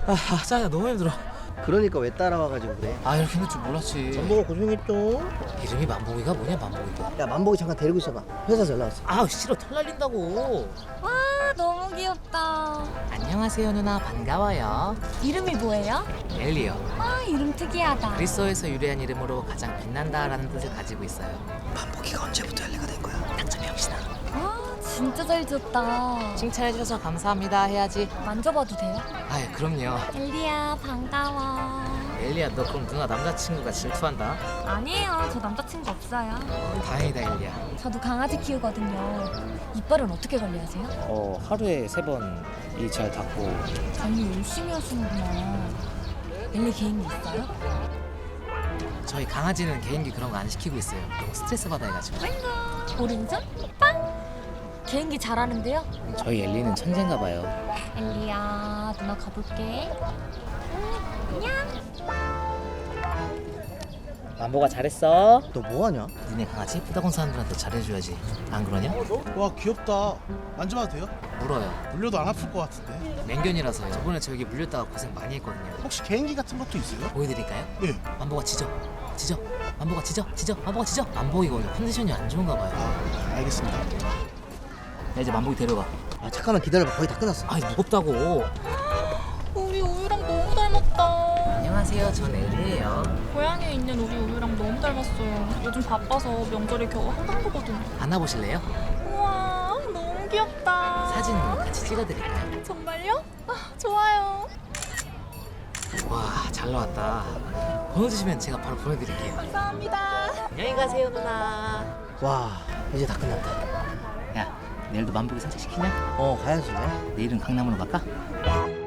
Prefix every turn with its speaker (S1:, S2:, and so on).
S1: 짜야 너무 힘들어.
S2: 그러니까 왜 따라와가지고 그래.
S1: 이렇게 힘들 줄 몰랐지.
S2: 만보가 고생했죠.
S1: 이름이 만복이가 뭐냐, 만복이가.
S2: 야, 만보기 잠깐 데리고 있어봐. 회사 전화 왔어.
S1: 싫어, 털 날린다고.
S3: 와, 너무 귀엽다.
S1: 안녕하세요 누나, 반가워요.
S3: 이름이 뭐예요?
S1: 엘리요.
S3: 아, 이름 특이하다.
S1: 그리스어에서 유래한 이름으로 가장 빛난다라는 뜻을 가지고 있어요.
S2: 만보기가 언제부터 엘리가 된 거야?
S1: 당첨 병신아.
S3: 아, 진짜 잘 지었다.
S1: 칭찬해주셔서 감사합니다 해야지.
S3: 만져봐도 돼요?
S1: 그럼요.
S3: 엘리야, 반가워.
S1: 엘리야, 너 그럼 누나 남자친구가 질투한다?
S3: 아니에요, 저 남자친구 없어요.
S1: 다행이다 엘리야.
S3: 저도 강아지 키우거든요. 이빨은 어떻게 관리하세요?
S1: 하루에 3번 이 잘 닦고.
S3: 관리 열심히 하시는구나. 엘리 개인기 있어요?
S1: 저희 강아지는 개인기 그런 거 안 시키고 있어요. 너무 스트레스 받아 해가지고.
S3: 오른손 빵! 개인기 잘하는데요?
S1: 저희 엘리는 천재인가 봐요.
S3: 엘리야, 누나 가볼게. 안녕.
S1: 만보가 잘했어.
S2: 너 뭐하냐?
S1: 니네 강아지 예쁘다고 한 사람들한테 잘해줘야지. 안 그러냐?
S4: 와 귀엽다. 만져봐도 돼요?
S1: 물어요.
S4: 물려도 안 아플 것 같은데.
S1: 맹견이라서요. 저번에 저 여기 물렸다가 고생 많이 했거든요.
S4: 혹시 개인기 같은 것도 있어요?
S1: 보여드릴까요?
S4: 네.
S1: 만보가 짖어. 만보가 짖어. 만보가 짖어. 만보이가 원래 컨디션이 안 좋은가 봐요.
S4: 알겠습니다.
S1: 야, 이제 만보기 데려가.
S2: 잠깐만 기다려봐. 거의 다 끝났어.
S1: 무겁다고.
S5: 우리 우유랑 너무 닮았다.
S1: 안녕하세요. 전 엘리예요.
S5: 고향에 있는 우리 우유랑 너무 닮았어요. 요즘 바빠서 명절에 겨우 한강 보거든요.
S1: 안아보실래요?
S5: 우와, 너무 귀엽다.
S1: 사진 같이 찍어드릴까요?
S5: 정말요? 좋아요.
S1: 와, 잘 나왔다. 번호 주시면 제가 바로 보내드릴게요.
S5: 감사합니다.
S1: 안녕히 가세요 누나.
S2: 와, 이제 다 끝났다.
S1: 야, 내일도 만보기 산책 시키냐?
S2: 가야지 왜?
S1: 내일은 강남으로 갈까?